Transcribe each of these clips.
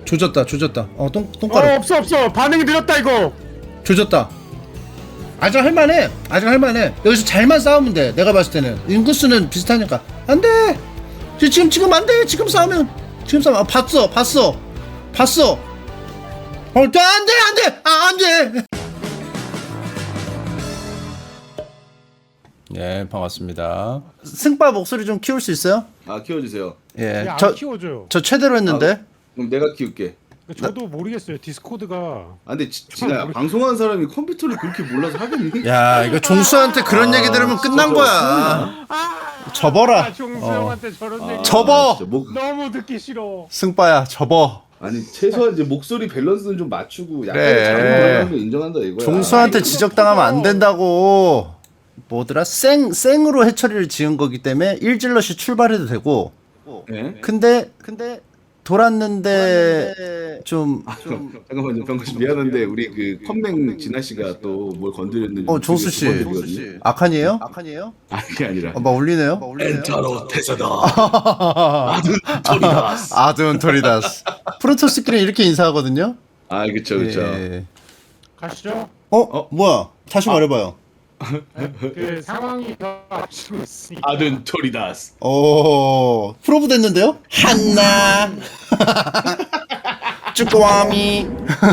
조졌다 조졌다. 똥가루. 없어 반응이 느렸다 이거. 조졌다. 아직 할만해. 아직 할만해. 여기서 잘만 싸우면 돼. 내가 봤을 때는 인구수는 비슷하니까. 안돼. 지금 안돼. 지금 싸우면 봤어. 안돼. 안돼. 예, 반갑습니다. 승빠 목소리 좀 키울 수 있어요? 아 키워주세요. 예, 안 키워줘요. 저 최대로 했는데. 그럼 내가 키울게. 저도 모르겠어요. 디스코드가. 아 근데 진짜 방송하는 사람이 컴퓨터를 그렇게 몰라서 하겠니? 야, 이거 종수한테 그런 얘기 들으면 끝난 거야. 접어라. 종수 형한테 저런 얘기. 접어. 진짜 너무 듣기 싫어. 승빠야, 접어. 아니 최소한 이제 목소리 밸런스는 좀 맞추고 약간 그래. 잘못하는 거 인정한다 이거야. 종수한테 지적당하면 안 된다고. 뭐더라? 생으로 해처리를 지은 거기 때문에 일질럿이 출발해도 되고. 네? 근데 돌았는데 좀 잠깐만요, 병건 씨 미안한데 우리 그 컴맹 진아 씨가 또 뭘 건드렸는지. 종수 씨. 악한이에요? 아니 그게 아니라. 막 울리네요. 엔타로 태세다. 아둔 토리다스. 프로토스끼리 이렇게 인사하거든요. 아 그쵸. 예. 가시죠. 뭐야? 다시 말해봐요. 그 상황이 더 앞서고 있으니까. 아둔 토리다스. 오, 프로브 됐는데요? 한나 쭈꾸미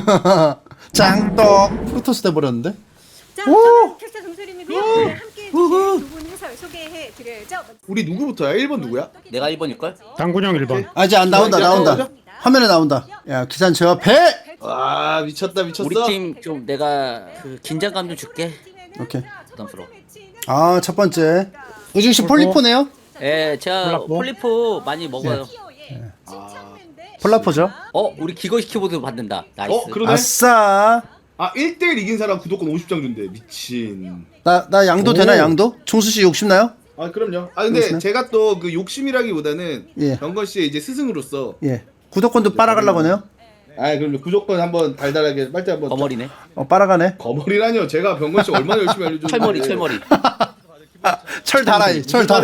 장떡 프로토스 돼버렸는데? 자, 저는 캡스 정설입니다. 오늘 함께 해주실 두 분 해설 소개해드려야죠. 우리 누구부터야? 1번 누구야? 내가 1번일걸? 당군형 1번. 아직 안 나온다. 화면에 나온다. 야, 기사는 제가 배! 아 미쳤다. 우리 팀 좀 내가 그 긴장감 좀 줄게. 오케이. 부담스러워. 아, 첫 번째 의중씨 폴리포네요? 예, 제가 폴라포? 폴리포 많이 먹어요. 폴라포죠? 우리 기거시 키보드 받는다. 나이스. 그러네. 아싸. 아 1대1 이긴 사람 구독권 50장 준대. 미친. 나 양도 되나 양도? 종수씨 욕심나요? 아 그럼요. 아 근데 그렇구나. 제가 또 그 욕심이라기보다는 예. 병건 씨의 이제 스승으로서 예. 구독권도 빨아가려고 하네요? 아 그럼요. 무조건 한번 달달하게 빨대 한번 거머리네. 빨아가네. 거머리라뇨. 제가 병건 씨 얼마나 열심히 알려줬는데. 철머리. 철다라이.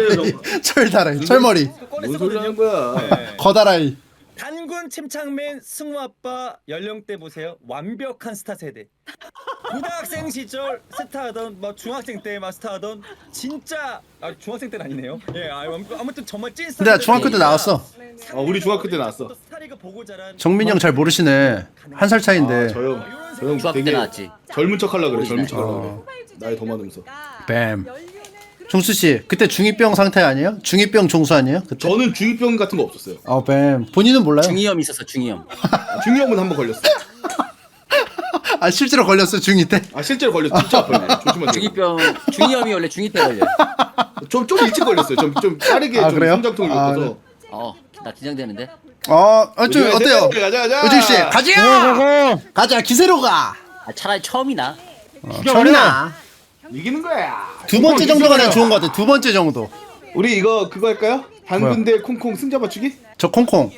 철머리. 뭔 소리 하는 거야. 거다라이. 단군 침착맨 승우 아빠 연령대 보세요. 완벽한 스타 세대. 고등학생 시절 스타하던 뭐 중학생 때 막 스타하던 진짜 중학생 때는 아니네요. 예, 아무튼 정말 찐 스타. 근데 나 중학교 때 나왔어. 우리 중학교 때 나왔어. 스타리그 보고 자란 정민이 형 잘 모르시네. 한 살 차인데. 저형 중학교 때 되게 나왔지. 젊은 척하려 그래. 젊은 척하려 그래. 나이 더 많으면서. 뱀. 종수 씨, 그때 중2병 상태 아니에요? 중2병 종수 아니에요? 그때? 저는 중2병 같은 거 없었어요. 뱀. 본인은 몰라요? 중이염 있었어, 중이염. 중이염은 한번 걸렸어. 아, 실제로 걸렸어, 중2 때? 아 실제로 걸렸어. 진짜 아파요. 조심하세요. 중이염이 원래 중2 때 걸려. 좀 일찍 걸렸어요. 좀 빠르게 아, 좀 그래요? 성장통이 아, 높아서. 나 긴장되는데. 좀 어때요? 가자. 의중 씨, 가자, 기세로 가! 차라리 처음이나. 정나. 이기는 거야. 두 번째 정도가 난 좋은 것 같아, 두 번째 정도. 우리 이거 그거 할까요? 단군 대 콩콩 승자 맞추기? 저 콩콩.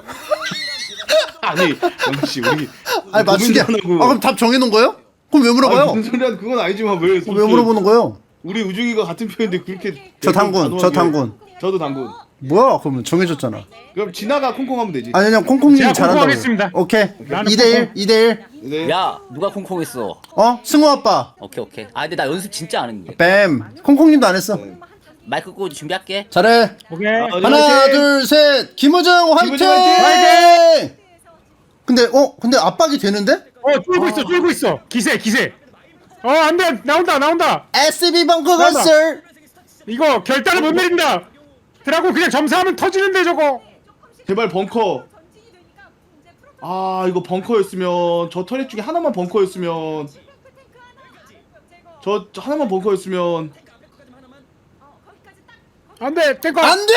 아니 영기 씨 우리 아니, 맞추기. 그럼 답 정해놓은 거예요? 그럼 왜 물어봐요? 무슨 소리야? 그건 아니지만 왜 물어보는 거예요? 우리 우중이가 같은 편인데 그렇게 저 단군. 저도 단군. 뭐야, 그러면 정해줬잖아. 그럼 진아가 콩콩 하면 되지. 아니, 그냥 콩콩님이 제가 잘한다고. 콩콩하겠습니다. 오케이. 나는 2대1. 네. 야, 누가 콩콩했어? 승우 아빠. 오케이. 근데 나 연습 진짜 안 했는데. 뱀. 콩콩님도 안 했어. 마이크 끄고 준비할게. 잘해. 오케이. 하나, 둘, 셋. 김우정 화이팅! 김우정 화이팅! 근데 압박이 되는데? 쫄고 있어. 기세. 안 돼. 나온다. SB 벙커 나온다. 건설. 이거 결단을 못 내린다. 드라고 그냥 점사하면 터지는데 저거. 제발 벙커. 아 이거 벙커였으면 저 터렛 중에 하나만 벙커였으면 저 하나만 벙커였으면 안 돼. 땡거. 안 돼!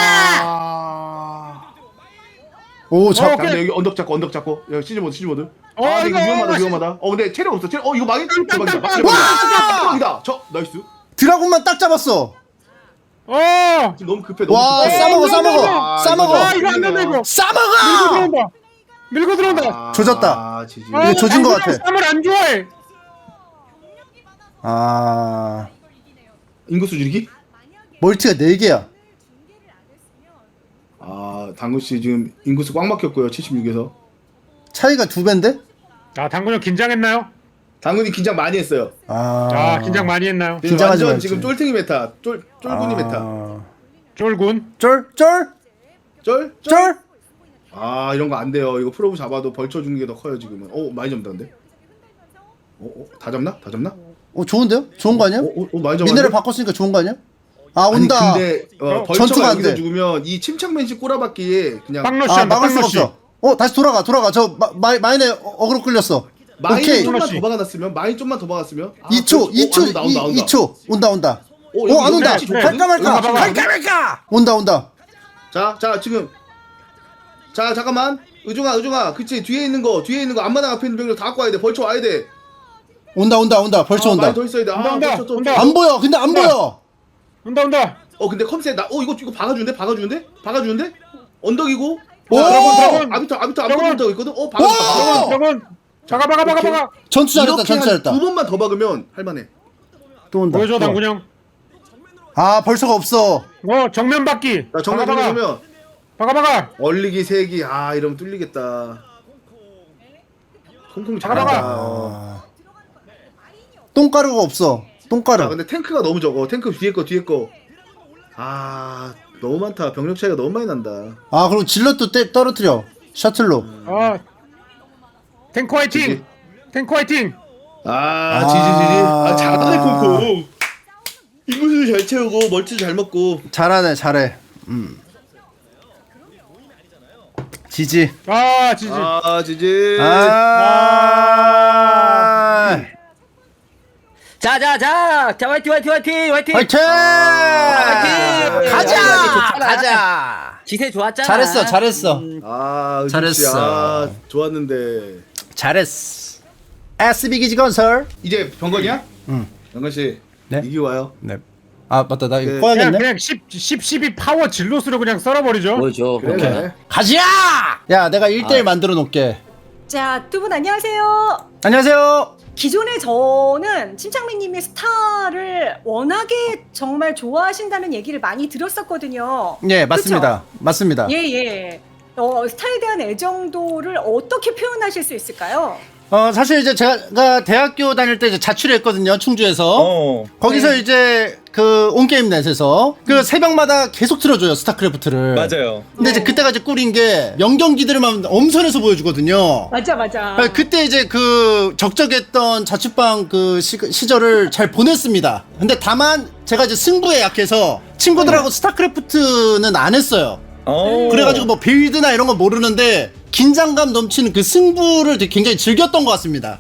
아. 오, 자, 오케이. 근데 여기 언덕 잡고 야 시즈모드 이거 위험하다 근데 체력 없어 체력 이거 망했 대박이다 와! 대박이다 저 나이스 드라군만 딱 잡았어. 지금 너무 급해 와, 급해. 싸먹어. 이거 안 된다 이거. 싸먹어! 밀고 들어온다. 조졌다. 지지. 이거 조진 것 같아. 쌈을 안 좋아해. 인구수 줄이기? 멀티가 4개야. 당구씨 지금 인구수 꽉 막혔고요 76에서 차이가 2배인데? 아 당군 형 긴장했나요? 당근이 긴장 많이 했어요. 아 긴장 많이 했나요? 지금 긴장하지 완전 말지. 지금 쫄탱이 메타, 쫄군이 메타. 쫄군. 쫄? 쫄? 쫄? 아 이런 거 안 돼요. 이거 프로브 잡아도 벌쳐 주는 게 더 커요 지금은. 많이 잡는다는데? 다 잡나? 다 잡나? 좋은데요? 좋은 거 아니야? 많이 잡았는데? 미네랄 바꿨으니까 좋은 거 아니야? 아 아니 온다. 근데 전투가 벌처가 안 여기서 돼. 죽으면 이 침착맨식 꼬라박기에 그냥 빵러시 아 한다. 막을 수가 빵러시. 없어. 다시 돌아가. 저 마인에 어그로 끌렸어. 마인 오케이. 좀만 플러시. 더 박아놨으면 마인 좀만 더 박았으면 2초, 2초, 나온다. 2초. 온다. 여기 안 온다. 여기 좋거든? 갈까 말까. 여기 봐봐. 갈까 말까. 온다. 자 지금 자 잠깐만 의중아 그치 뒤에 있는 거 앞마당 앞에 있는 병력 다 갖고 와야 돼. 벌쳐 와야 돼. 온다. 벌써 온다. 많이 더 있어야 돼. 온다. 벌쳐 좀. 온다. 안 보여. 근데 안 보여. 온다. 근데 컴셋 이거 박아주는데? 언덕이고. 오! 드래곤. 아비터 드래곤. 아무것도 있거든. 오! 박았어. 드래곤. 박아. 전투 잘했다. 이렇게 두 번만 더 박으면 할만해. 또 온다. 보여줘 당군 형. 아 벌써가 없어. 정면 받기. 자 정면 보면 박아. 얼리기 세기 이러면 뚫리겠다. 콩콩 박아봐. 잘한다. 똥가루가 없어. 똥가루. 근데 탱크가 너무 적어. 탱크 뒤에 거. 너무 많다. 병력 차이가 너무 많이 난다. 아 그리고 질럿도 떨어뜨려. 셔틀로. 탱크 화이팅. 탱크 화이팅. 지지. 잘하네 콩콩. 인구수 잘 채우고 멀티도 잘 먹고. 잘해. 지지. 지지. 지지. 자, 화이팅. 화이팅! 가자. 기세 좋았잖아. 잘했어. 잘했어. 좋았는데. 잘했어. SB 기지 건설. 이제 병건이야? 응. 병건 씨. 네? 이기 와요. 네. 아 맞다. 나 이거 네. 꺼야겠네. 그냥 12 파워 질럿으로 그냥 썰어버리죠. 보여줘. 그래. 가자. 야 내가 1대1 만들어 놓을게. 자, 두 분 안녕하세요. 안녕하세요. 기존에 저는 침착맨님의 스타를 워낙에 정말 좋아하신다는 얘기를 많이 들었었거든요. 예 맞습니다. 맞습니다. 예. 스타에 대한 애정도를 어떻게 표현하실 수 있을까요? 사실 이제 제가 대학교 다닐 때 이제 자취를 했거든요. 충주에서. 거기서 네. 이제 그 온게임넷에서 그 새벽마다 계속 틀어줘요. 스타크래프트를. 맞아요. 근데 이제 그때가 이제 꿀인 게 영경기들만 엄선해서 보여주거든요. 맞아. 그때 이제 그 적적했던 자취방 그 시절을 잘 보냈습니다. 근데 다만 제가 이제 승부에 약해서 친구들하고 스타크래프트는 안 했어요. 그래가지고 뭐 빌드나 이런 거 모르는데 긴장감 넘치는 그 승부를 되게 굉장히 즐겼던 것 같습니다.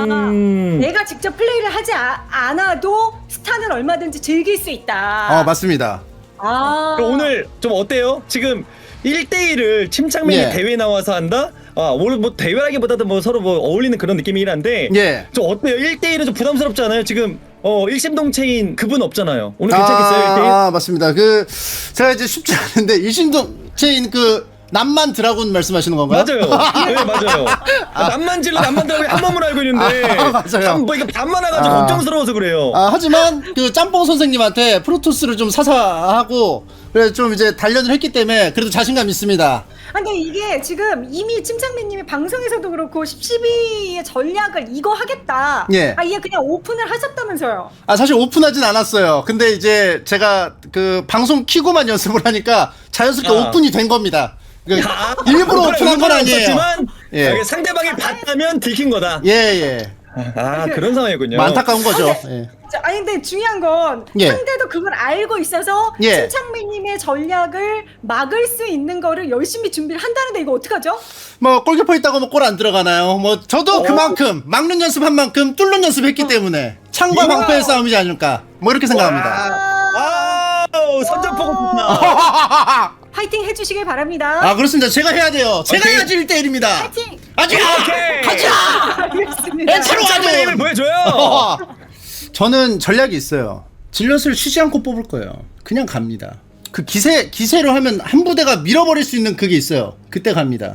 내가 직접 플레이를 하지 않아도 스타는 얼마든지 즐길 수 있다. 맞습니다. 그럼 오늘 좀 어때요? 지금 1대1을 침착맨이 예. 대회 나와서 한다? 오늘 뭐 대회라기보다도 뭐 서로 뭐 어울리는 그런 느낌이긴 한데 예. 좀 어때요? 1대1은 좀 부담스럽지 않아요? 지금 일심동체인 그분 없잖아요. 오늘 괜찮겠어요? 1대1? 맞습니다. 제가 이제 쉽지 않은데 일심동체인 그 남만 드라군 말씀하시는 건가요? 맞아요. 네, 맞아요. 남만 질러 남만 들어가고 한 몸으로 알고 있는데 맞아요. 뭐 이거 반만 와가지고 걱정스러워서 그래요. 하지만 그 짬뽕 선생님한테 프로토스를 좀 사사하고 그래서 좀 이제 단련을 했기 때문에 그래도 자신감 있습니다. 근데 이게 지금 이미 침착맨님이 방송에서도 그렇고 12의 전략을 이거 하겠다. 예. 이게 그냥 오픈을 하셨다면서요. 사실 오픈하진 않았어요. 근데 이제 제가 그 방송 키고만 연습을 하니까 자연스럽게 오픈이 된 겁니다. 일부러 오픈한 건 아니에요. 없었지만 예. 상대방이 봤다면 들킨 거다. 예. 그런 상황이군요. 안타까운 거죠. 예. 근데 중요한 건 예. 상대도 그걸 알고 있어서 예. 침착맨님의 전략을 막을 수 있는 거를 열심히 준비를 한다는데 이거 어떡하죠? 뭐 골키퍼 있다고 뭐 골 안 들어가나요? 뭐 저도 그만큼 막는 연습한 만큼 뚫는 연습했기 때문에 창과 방패의 싸움이지 않을까 뭐 이렇게 생각합니다. 선전포고 좋다. 파이팅 해주시길 바랍니다. 그렇습니다. 제가 해야 돼요. 제가 오케이. 해야지 1대1입니다. 파이팅! 오케이. 가자! 알겠습니다. 엔체로 침착맨의 힘을 와줘! 보여줘요. 저는 전략이 있어요. 질럿을 쉬지 않고 뽑을 거예요. 그냥 갑니다. 그 기세로 하면 한 부대가 밀어버릴 수 있는 그게 있어요. 그때 갑니다.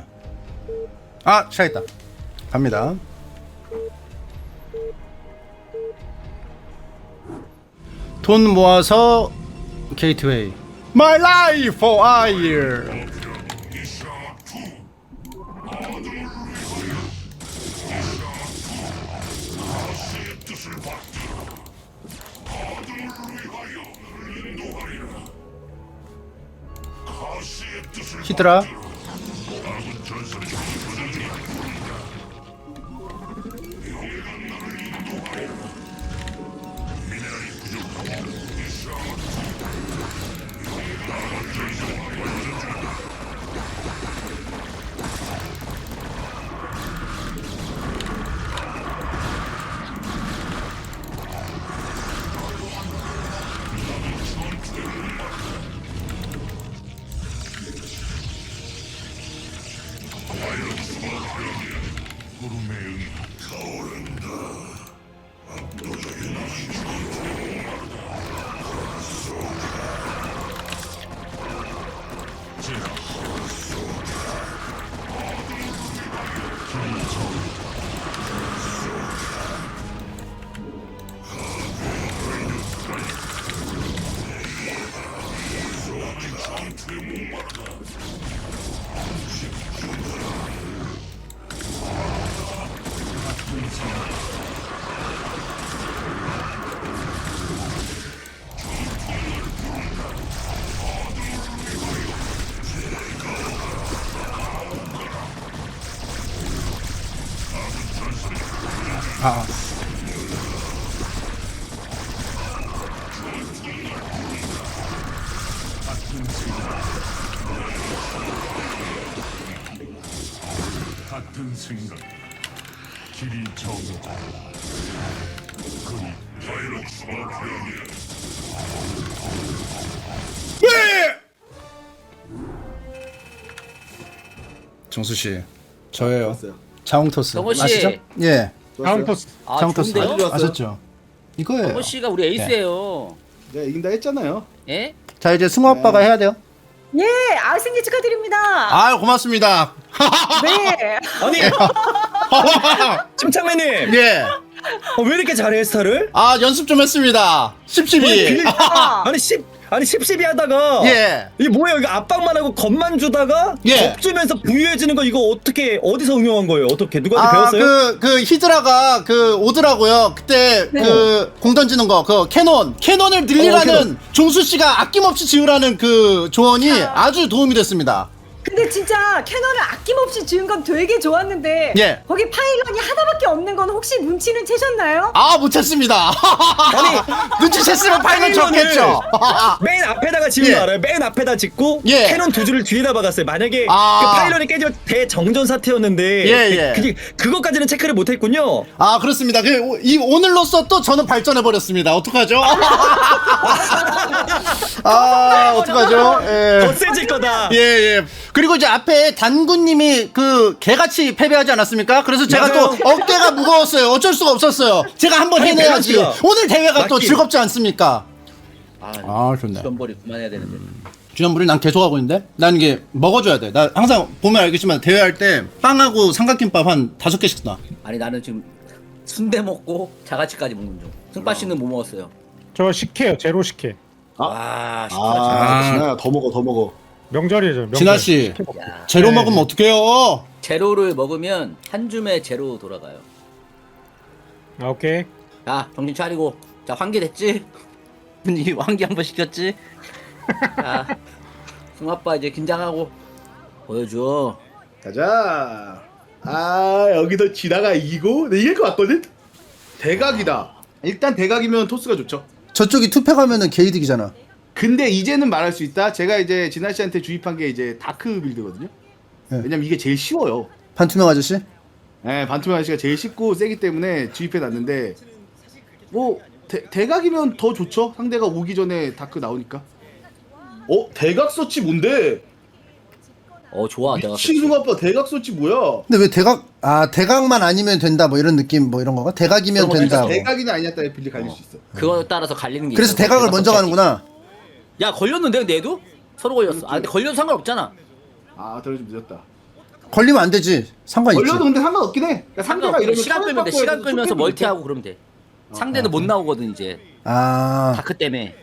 시작했다. 갑니다. 돈 모아서 게이트웨이. My life for a year. 히드라. 아. 같은 생각, 길이 정해져. 그리 바이러스가 되었네. 정수 씨, 저예요. 왔어요. 자웅토스. 정호 씨. 아시죠? 예. 카운터스. 아, 자웅토스 좋은데요? 아셨죠? 이거예요. 정호 씨가 우리 에이스예요. 내가 이긴다 했잖아요. 예? 자 이제 승우 아빠가 해야 돼요. 예, 생일 축하드립니다. 아 고맙습니다. 네. 아니 침착맨님 예. 왜 이렇게 잘해 스타를? 아 연습 좀 했습니다. 10-12. 아니 10-12 하다가 예. 이게 뭐예요? 이거 압박만 하고 겁만 주다가 예. 겁주면서 부유해지는 거 이거 어떻게 어디서 응용한 거예요? 어떻게 누구한테 배웠어요? 그 히드라가 오더라고요. 그때 네. 공 던지는 거, 캐논을 늘리라는 캐논. 종수 씨가 아낌없이 지으라는 그 조언이 아주 도움이 됐습니다. 근데 진짜 캐논을 아낌없이 지은 건 되게 좋았는데 예. 거기 파일런이 하나밖에 없는 건 혹시 눈치는 채셨나요? 아, 못 찾습니다. 눈치챘으면 파일럿 적겠죠. 맨 앞에다가 지은 예. 거 알아요? 맨 앞에다 짓고 예. 캐논 두 줄을 뒤에다 박았어요. 만약에 아. 그 파일런이 깨지면 대정전 사태였는데 예. 그것까지는 체크를 못했군요. 아, 그렇습니다. 오늘로써 또 저는 발전해버렸습니다. 어떡하죠? 아, 어떡하죠? 예. 더 세질 거다. 예. 그리고 이제 앞에 단군님이 개같이 패배하지 않았습니까? 그래서 제가 맞아요. 또 어깨가 무거웠어요. 어쩔 수가 없었어요. 제가 한번 아니, 해내야지. 밸런스가 오늘 대회가 또 맞긴. 즐겁지 않습니까? 아, 좋네. 주전벌이 그만해야 되는데. 주전부리 난 계속 하고 있는데? 난 이게 먹어줘야 돼. 나 항상 보면 알겠지만 대회할 때 빵하고 삼각김밥 한 5개씩 놔. 아니 나는 지금 순대 먹고 자가치까지 먹는 중. 승빠 씨는 뭐 먹었어요? 저 식혜요. 제로 식혜. 와, 진아야 더 먹어. 명절이죠. 명절. 진아씨, 야, 제로 네. 먹으면 어떡해요? 제로를 먹으면 한 줌에 제로 돌아가요. 아, 오케이. 자, 정신 차리고. 자, 환기 됐지? 이 환기 한번 시켰지? 자, 승아빠 이제 긴장하고 보여줘. 가자. 여기서 진아가 이기고 내 이길 것 같거든. 대각이다. 일단 대각이면 토스가 좋죠. 저쪽이 투패 가면은 게이득이잖아. 근데 이제는 말할 수 있다. 제가 이제 진아 씨한테 주입한 게 이제 다크 빌드거든요. 네. 왜냐면 이게 제일 쉬워요. 반투명 아저씨? 네, 반투명 아저씨가 제일 쉽고 세기 때문에 주입해 놨는데 뭐 대각이면 더 좋죠. 상대가 오기 전에 다크 나오니까. 대각 서치 뭔데? 좋아. 내가 미친 아빠 대각 서치 뭐야? 근데 왜 대각만 아니면 된다 뭐 이런 느낌 뭐 이런 거가? 대각이면 된다 뭐. 대각이냐 아니냐 따라 빌드 갈릴 수 있어. 그거에 따라서 갈리는 게 그래서 있어. 대각을 대각 먼저 선택지. 가는구나. 야, 걸렸는데 근데 얘도? 서로 걸렸어. 근데 걸려도 상관없잖아. 덜 좀 늦었다. 걸리면 안 되지. 상관 있지. 걸려도 근데 상관없긴 해. 그러니까 상대가 상관없어. 이러면 시간 끌면 돼. 바꿔야 시간 돼서 끌면서 쫓겨내면 멀티하고 그러면 돼. 상대는 못 나오거든 이제. 다크 때문에.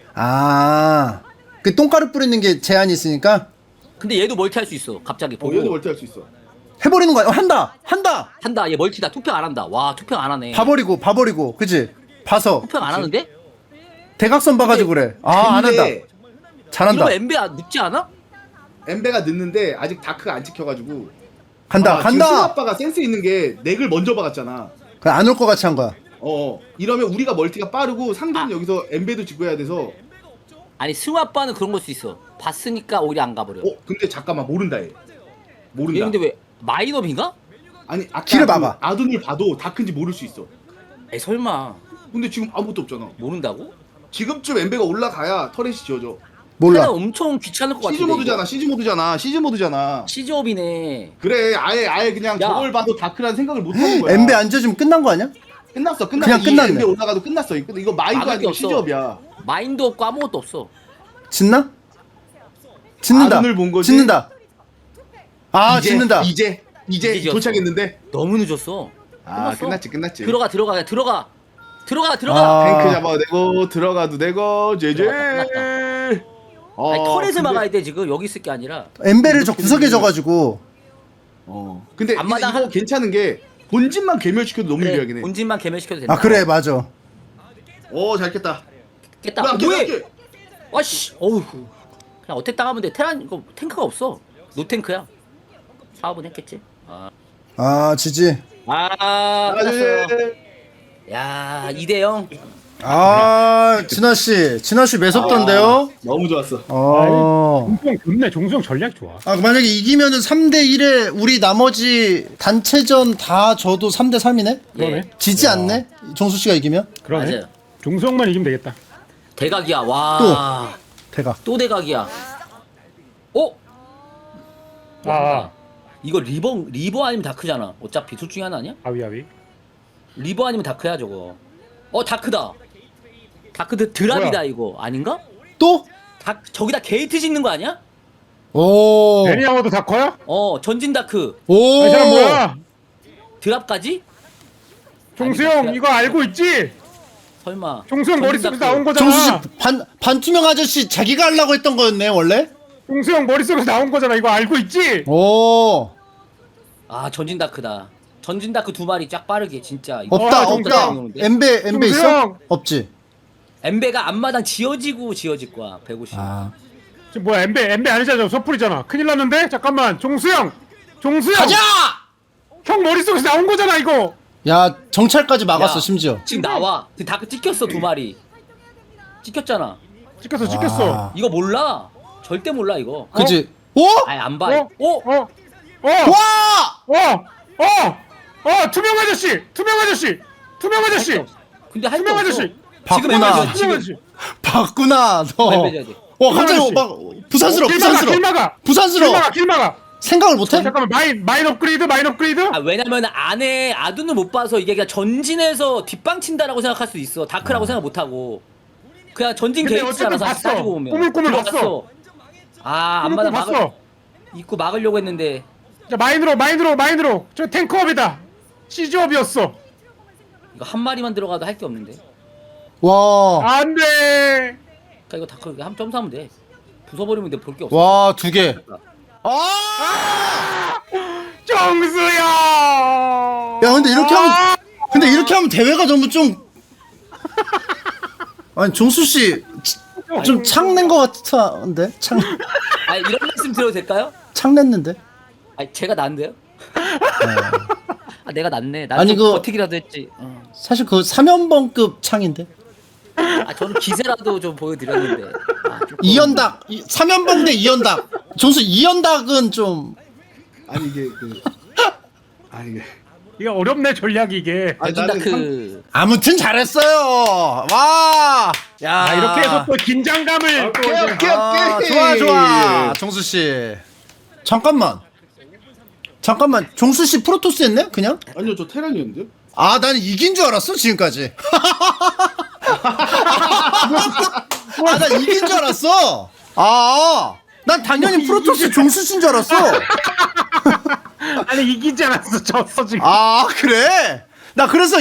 그 똥가루 뿌리는 게 제한이 있으니까 근데 얘도 멀티할 수 있어. 갑자기 보고. 얘도 멀티할 수 있어. 해버리는 거야. 한다. 한다. 얘 멀티다. 투평 안 한다. 와, 투평 안 하네. 봐버리고, 그치? 봐서 투평 안 하는데? 대각선 봐가지고 그래. 안 한다. 이거 잘한다. 엠베 늦지 않아? 엠베가 늦는데 아직 다크가 안 찍혀가지고. 간다 지금 승우 간다. 아빠가 센스 있는 게 넥을 먼저 박았잖아. 그냥 안 올 것 같이 한 거야. 이러면 우리가 멀티가 빠르고 상대는 여기서 엠베도 짓고 해야 돼서. 아니 승우 아빠는 그런 걸 수 있어. 봤으니까 오히려 안 가버려. 근데 잠깐만 모른다 얘. 얘 모른다. 근데 왜 마이너빈가? 아니 아까 키를 그 봐봐. 아둔을 봐도 다크인지 모를 수 있어. 에이 설마 근데 지금 아무것도 없잖아. 모른다고? 지금쯤 엠베가 올라가야 터렛이 지어져. 몰라. 엄청 귀찮을 것 같은데. 시즈 모드잖아. 시즈업이네. 그래 아예 그냥 야. 저걸 봐도 다크라는 생각을 못 하는 거야. 엠베 안 져주면 끝난 거 아니야? 끝났어. 그냥 이 끝났네. 엠베 올라가도 끝났어. 이거 마인드 막을 게 아니고 없어. 시즈업이야. 마인도 없고 아무것도 없어. 짓나? 짓는다. 아둔을 본 거지? 짓는다. 아 이제, 짓는다. 이제 지었어. 도착했는데. 너무 늦었어. 아 끝났어. 끝났지. 들어가. 아. 탱크 잡아도 되고 들어가도 되고 제제. 끝났다. 아니, 터렛을 막아야 돼 지금 여기 있을 게 아니라. 엠베를 저 구석에 져가지고. 근데 앞마당 이거 한- 괜찮은 게 본진만 괴멸시켜도 너무 그래, 유리하긴 해. 본진만 개멸시켜도 된다. 아 그래 맞아. 잘 깼다. 깼다. 안 깨, 뭐해? 안 깨. 와씨. 어우. 그냥 어택 당하면 돼. 테란 이거 탱크가 없어. 노탱크야. 사업은 했겠지. 아 지지. 끝났어요. 야 2대0. 아 진아 씨 매섭던데요? 너무 좋았어. 종수형 좋네. 종수형 전략 좋아. 아 만약에 이기면은 3대 1에 우리 나머지 단체전 다 져도 3대 3이네? 그러네. 지지 않네? 정수 씨가 이기면? 그러네. 맞아요. 종수형만 이기면 되겠다. 대각이야. 와. 대각. 또 대각이야. 어? 아, 이거 리버 아니면 다크잖아. 어차피 둘 중에 하나 아니야? 아위. 리버 아니면 다크야 저거. 다크다. 다크 드랍이다 뭐야? 이거 아닌가? 또? 저기다 게이트 짓는 거 아니야? 오. 레니아워도 다 커요? 전진 다크 오. 이 사람 뭐야? 드랍까지? 종수형 아니, 이거 알고 있지? 설마. 종수형 전진 머릿속에서 다크. 나온 거잖아. 정수 씨 반투명 아저씨 자기가 하려고 했던 거였네 원래? 종수형 머릿속에서 나온 거잖아. 이거 알고 있지? 오. 전진 다크다. 전진 다크 2마리 쫙 빠르게 진짜. 이거 없다 정수야. 없다. 엠베 있어? 정수영! 없지. 엠베가 앞마당 지어질 거야 150. 지금 뭐야? 엠베 아니잖아. 서풀이잖아. 큰일 났는데? 잠깐만. 종수형. 가자! 형 머릿속에서 나온 거잖아 이거. 야 정찰까지 막았어 야. 심지어. 지금 나와. 그 다크 찍혔어 2마리. 찍혔잖아. 찍혔어. 와. 이거 몰라. 절대 몰라 이거. 그지? 오? 아니 안 봐. 와! 투명 아저씨. 근데 할 게 투명 없어. 아저씨. 지금 봤구나. 엠베 투명 지금 아저씨. 봤구나 너. 엠베 돼. 갑자기 아저씨. 막 부산스러워. 길 막아. 부산스러워. 생각을 못해? 잠깐만 마인 업그레이드. 왜냐면 안에 아둔을 못 봐서 이게 그냥 전진해서 뒷방 친다라고 생각할 수 있어. 다크라고 생각 못 하고. 그냥 전진 근데 게이트잖아. 어쨌든 사실 봤어. 따지고 보면. 꾸물꾸물 들어갔어. 안마다 봤어. 입구 막으려고 했는데 자 마인으로. 저 탱크업이다. 시즈업이었어. 이거 한 마리만 들어가도 할 게 없는데. 와. 안돼. 그러니까 이거 다크 한 점사하면 돼. 부숴버리면 돼. 볼 게 없어. 와, 2개. 정수야. 야, 근데 이렇게 하면 대회가 너무 좀 아니, 정수 씨 좀 창낸 거 같은데? 이런 말씀 드려도 될까요? 창냈는데? 제가 난데요? 내가 낫네. 아니, 나는 어떻게라도 했지. 사실 그 3연번급 창인데. 저는 기세라도 좀 보여드렸는데. 조금. 2연닭 3연봉 대 2연닭. 정수 2연닭은 좀 아니 이게 이게 어렵네 전략이 이게. 전진다크. 아무튼 잘했어요. 와. 야, 이렇게 해서 또 긴장감을 오케이. 좋아. 정수 씨. 잠깐만. 정수 씨 프로토스 했네? 그냥? 아니요 저 테란이었는데요? 난 이긴 줄 알았어, 지금까지. 난 이긴 줄 알았어. 난 당연히 프로토스 정수 씨인 줄 알았어. 아니 이기지 않았어. 졌어 지금. 그래? 나 그래서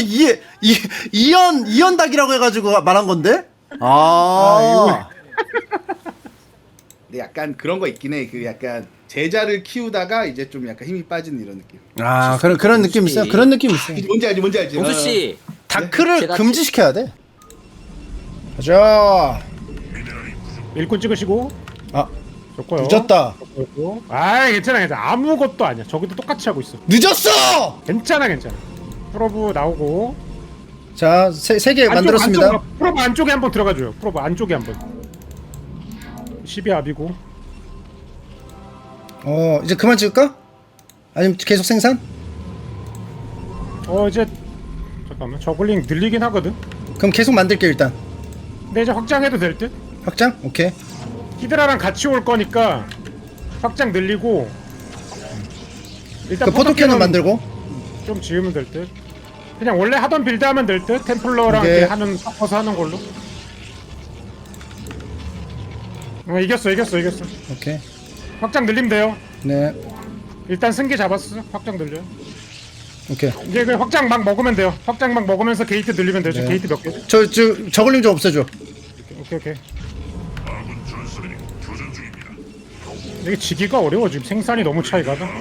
이연닭이라고 해가지고 말한 건데? 근데 약간 그런 거 있긴 해. 그 약간 제자를 키우다가 이제 좀 약간 힘이 빠지는 이런 느낌. 그런 느낌 있어요. 그런 느낌 있어요. 뭔지 알지? 용수 씨. 다크를 제가 금지시켜야 돼. 가자. 일꾼 찍으시고. 좋고요. 늦었다. 좋고. 아이 괜찮아. 아무것도 아니야. 저기도 똑같이 하고 있어. 늦었어. 괜찮아. 프로브 나오고. 자, 세 개 만들었습니다. 프로브 안쪽에 한번 들어가줘요. 프로브 안쪽에 한번. 12압이고. 이제 그만 찍을까? 아니면 계속 생산? 이제 잠깐만. 저글링 늘리긴 하거든. 그럼 계속 만들게 일단. 근데 이제 확장해도 될 듯? 확장? 오케이. 히드라랑 같이 올 거니까 확장 늘리고 일단 그 포토캐논 만들고. 좀 지으면 될 듯. 그냥 원래 하던 빌드 하면 될 듯. 템플러랑 오케이. 이렇게 하는 섞어서 하는 걸로. 이겼어. 오케이. 확장 늘리면 돼요. 네. 일단 승기 잡았어. 확장 늘려. 오케이. 이제 그 확장 막 먹으면 돼요. 확장 막 먹으면서 게이트 늘리면 되죠. 네. 게이트 몇 개? 저글링 좀 없애줘. 오케이. 아군 전선이 교전 중입니다. 이게 지기가 어려워 지금 생산이 너무 차이가 나.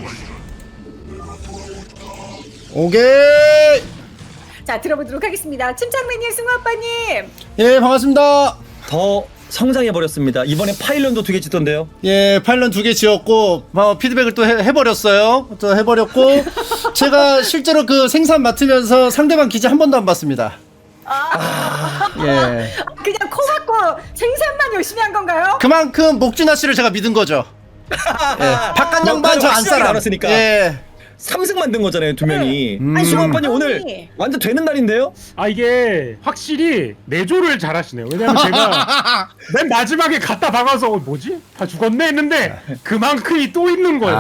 오케이. 자, 들어보도록 하겠습니다. 침착맨님, 승우 아빠님. 예, 반갑습니다. 더 성장해 버렸습니다. 이번에 파일런도 2개 짓던데요. 예, 파일런 2개 지었고 피드백을 또 해버렸어요. 또 해버렸고 제가 실제로 그 생산 맡으면서 상대방 기지 한 번도 안 봤습니다. 예, 그냥 코 막고 생산만 열심히 한 건가요? 그만큼 목준하 씨를 제가 믿은 거죠. 예, 바깥 양반 저 안 확실하게 살아. 나눴으니까. 예, 3승 만든 거잖아요, 2명이. 아니, 승우 아빠님 오늘 완전 되는 날인데요? 이게 확실히 내조를 잘하시네요. 왜냐면 제가 맨 마지막에 갖다 박아서 뭐지? 다 죽었네 했는데 그만큼이 또 있는 거예요.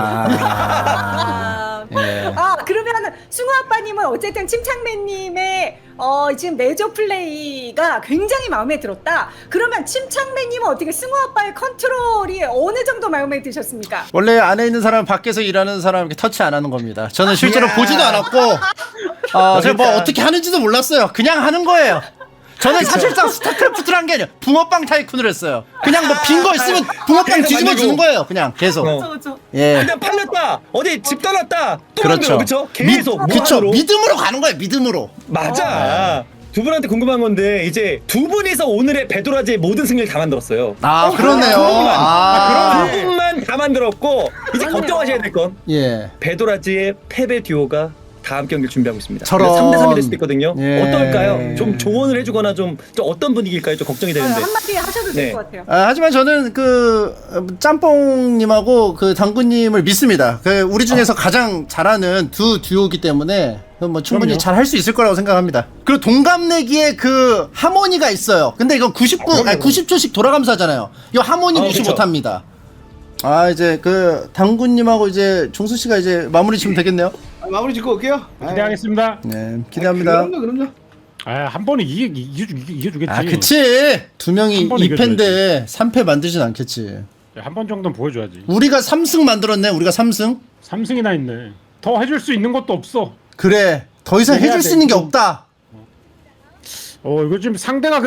예. 그러면 승우 아빠님은 어쨌든 침착맨님의 지금 내조 플레이가 굉장히 마음에 들었다. 그러면 침착맨님은 어떻게 승우 아빠의 컨트롤이 어느 정도 마음에 드셨습니까? 원래 안에 있는 사람 밖에서 일하는 사람 이렇게 터치 안 하는 겁니다. 저는 실제로 보지도 않았고 제가 뭐 어떻게 하는지도 몰랐어요. 그냥 하는 거예요. 저는 사실상 스타크래프트를 한 게 아니라 붕어빵 타이쿤을 했어요. 그냥 뭐 빈 거 있으면 붕어빵 뒤집어 주는 거예요. 그냥 계속. 그렇죠. 예. 근데 팔렸다. 어디 집 떠났다. 또 그렇죠. 만들어, 그렇죠? 계속 그쵸. 무한으로. 믿음으로 가는 거예요. 믿음으로. 맞아. 두 분한테 궁금한 건데 이제 두 분이서 오늘의 베도라지의 모든 승리를 다 만들었어요. 그러네요. 두 분만 다 만들었고 이제 걱정하셔야 될 건 예. 베도라지의 패배 듀오가 다음 경기를 준비하고 있습니다. 저런. 3대3이 될 수도 있거든요. 예. 어떨까요? 좀 조언을 해주거나 좀 어떤 분위기일까요? 좀 걱정이 되는데. 한마디 하셔도 될 네. 것 같아요. 하지만 저는 그 짬뽕님하고 그 당구님을 믿습니다. 그 우리 중에서 가장 잘하는 두 듀오이기 때문에 뭐 충분히 그럼요. 잘 할 수 있을 거라고 생각합니다. 그리고 동갑내기에 그 하모니가 있어요. 근데 이건 90초씩 돌아가면서 하잖아요. 이거 하모니 무시 그쵸. 못합니다. 이제 그 당구님하고 이제 종수 씨가 이제 마무리 지면 되겠네요. 마무리 짓고 올게요. 기대하겠습니다. 네, 기대합니다. 그럼요. 한 번에 이겨주겠지. 그치. 두 명이 한 번 2패인데 3패 만들진 않겠지. 한 번 정도는 보여줘야지. 우리가 3승 만들었네. 우리가 3승. 3승이나 있네. 더 해줄 수 있는 것도 없어. 그래. 더 이상 해야 해줄 돼. 수 있는 게 없다. 이거 지금 상대가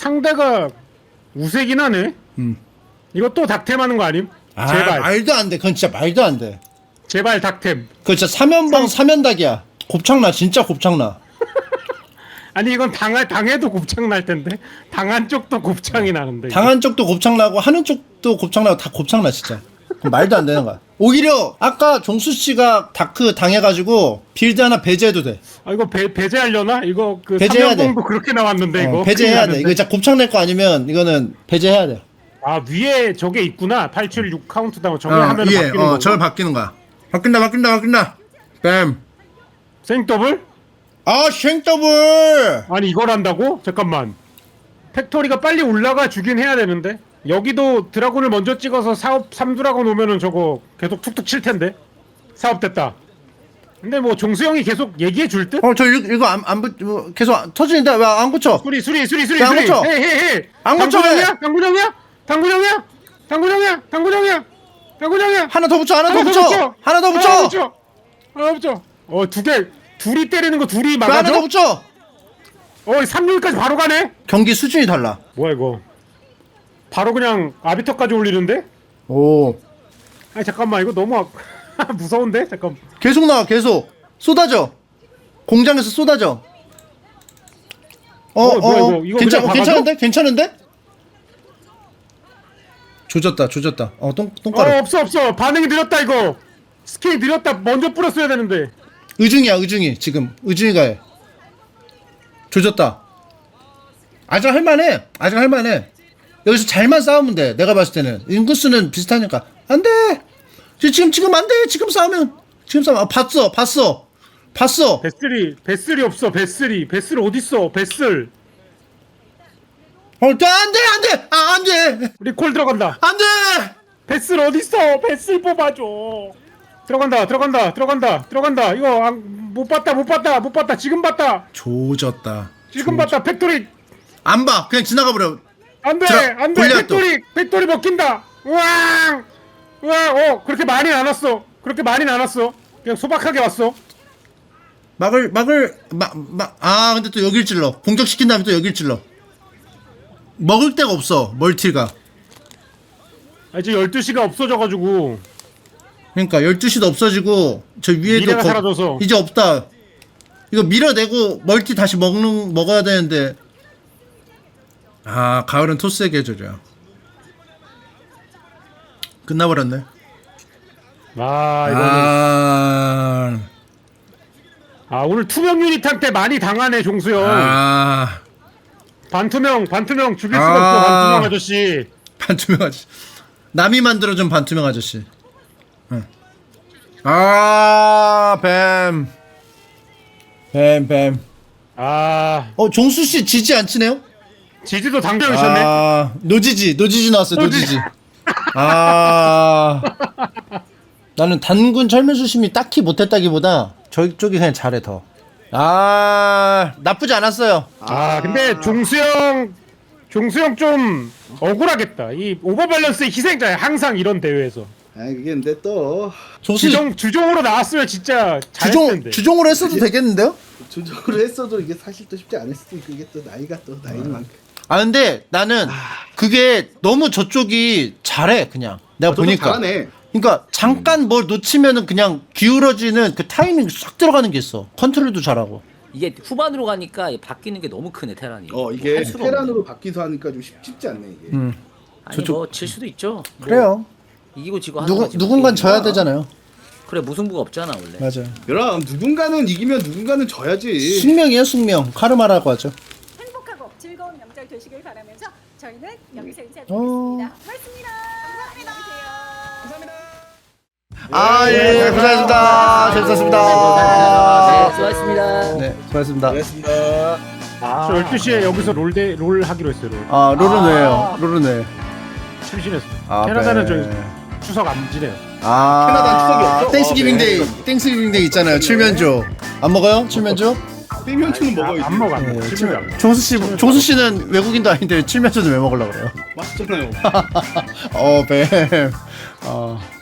우세긴 하네. 이거 또 닥템하는 거 아님? 제발. 말도 안 돼. 그건 진짜 말도 안 돼. 제발 닥템. 그거 진짜 사면방 사면닭이야. 곱창나. 진짜 곱창나. 아니 이건 당해도 곱창 날 텐데 당한 쪽도 곱창이 나는데. 당한 쪽도 곱창나고 하는 쪽도 곱창나고 다 곱창나 진짜. 그건 말도 안 되는 거야. 오히려 아까 종수 씨가 다크 당해가지고 빌드 하나 배제해도 돼. 이거 배제하려나? 이거 그 배제해야 돼. 3연봉도 그렇게 나왔는데 이거 배제해야 큰일 돼. 이거 났는데. 진짜 곱창 낼 거 아니면 이거는 배제해야 돼. 위에 저게 있구나. 876 카운트다운 저게 하면 바뀌는 거. 저걸 바뀌는 거야. 바뀐다. 뱀. 생더블? 쉥더블. 아니 이걸 한다고? 잠깐만. 팩토리가 빨리 올라가 주긴 해야 되는데. 여기도 드라곤을 먼저 찍어서 사업 3드라곤 오면은 저거 계속 툭툭 칠 텐데. 사업 됐다. 근데 뭐 종수형이 계속 얘기해 줄 듯? 저 이거 안 계속 터지는데 왜 안 고쳐? 수리. 안 고쳐? 헤헤헤. 안 고쳐, 왜? 당구정이야? 하나 더 붙여. 하나 더 붙여. 둘이 때리는 거 둘이 왜 하나 더 막아줘? 붙여. 3률까지 바로 가네? 경기 수준이 달라. 뭐야 이거? 바로 그냥 아비터까지 올리는데? 오. 아니 잠깐만 이거 너무 무서운데? 잠깐. 계속 나와. 계속 쏟아져. 공장에서 쏟아져. 뭐야, 이거 그냥 박아줘? 괜찮은데? 조졌다 조졌다. 똥가루. 없어 반응이 느렸다 이거. 스킬이 느렸다. 먼저 뿌렸어야 되는데. 의중이야 의중이. 지금 의중이가 해. 조졌다. 아직 할만해. 아직 할만해. 여기서 잘만 싸우면 돼. 내가 봤을 때는 인구수는 비슷하니까. 안돼. 지금 안돼. 지금 싸우면 봤어. 베슬이 없어. 베슬 어딨어? 베슬. 안돼. 안돼. 리콜 들어간다. 안돼. 베슬 어딨어? 베슬 뽑아줘. 들어간다. 이거 못 봤다. 지금 봤다. 조졌다. 팩토리. 안 봐. 그냥 지나가 버려. 안돼. 골리앗 또. 팩토리 먹힌다. 우왕. 그렇게 많이 안 왔어. 그냥 소박하게 왔어. 근데 또 여길 찔러. 공격시킨 다음에 또 여길 찔러. 먹을 데가 없어. 멀티가. 이제 12시가 없어져가지고. 그러니까 12시도 없어지고 저 위에도 미래가 사라져서. 이제 없다. 이거 밀어내고 멀티 다시 먹어야 되는데. 가을은 토스의 계절이야. 끝나버렸네. 이거는. 오늘 투명 유닛한테 많이 당하네 종수형. 반투명 죽일 수가 없어. 반투명 아저씨. 반투명 아저씨. 남이 만들어준 반투명 아저씨. 뱀. 종수씨 지지 안 치네요? 지지도 당겨 있었네. 노지지 나왔어요. 노지지. 나는 단군 철면수심이 딱히 못했다기보다 저쪽이 그냥 잘해 더. 나쁘지 않았어요. 근데 종수형 좀 억울하겠다. 이 오버밸런스의 희생자야. 항상 이런 대회에서. 그게 근데 또 주종으로 나왔으면 진짜 잘했을 텐데. 주종으로 했어도 되겠는데요? 조정으로 했어도 이게 사실 또 쉽지 않을 수도 있고 이게 또 나이가 또 나이는 만큼. 근데 나는 그게 너무 저쪽이 잘해 그냥. 내가 보니까. 잘하네. 그러니까 잠깐 뭘 놓치면은 그냥 기울어지는 그 타이밍 싹 들어가는 게 있어. 컨트롤도 잘하고. 이게 후반으로 가니까 바뀌는 게 너무 크네 테란이. 이게 할 수가 테란으로 바뀌서 하니까 좀 쉽지 않네 이게. 아니 질 수도 있죠. 그래요. 이기고 지고 하는 거지. 누군간 져야 되잖아요. 그래 무승부가 없잖아 원래. 맞아요. 그럼 누군가는 이기면 누군가는 져야지. 숙명이에요 숙명. 카르마라고 하죠. 행복하고 즐거운 명절 되시길 바라면서 저희는 여기서 인사드리겠습니다. 고맙습니다. 고생하셨습니다. 재밌었습니다. 네, 수고하셨습니다. 네, 수고하셨습니다. 고맙습니다. 저 12시에 여기서 롤 하기로 했어요. 롤. 롤은 왜요? 롤은 왜? 심심했어요. 캐나다는 저 추석 안 지내요. 캐나다는 추석이 없어? 땡스기빙 데이. 땡스기빙 데이 있잖아요. 칠면조. 안 먹어요? 칠면조? 땡면초는 먹어야지. 안 먹어. 네, 칠면조. 종수 씨는 외국인도 아닌데 칠면조는 왜 먹으려고 그래요? 맛있잖아요. 뱀.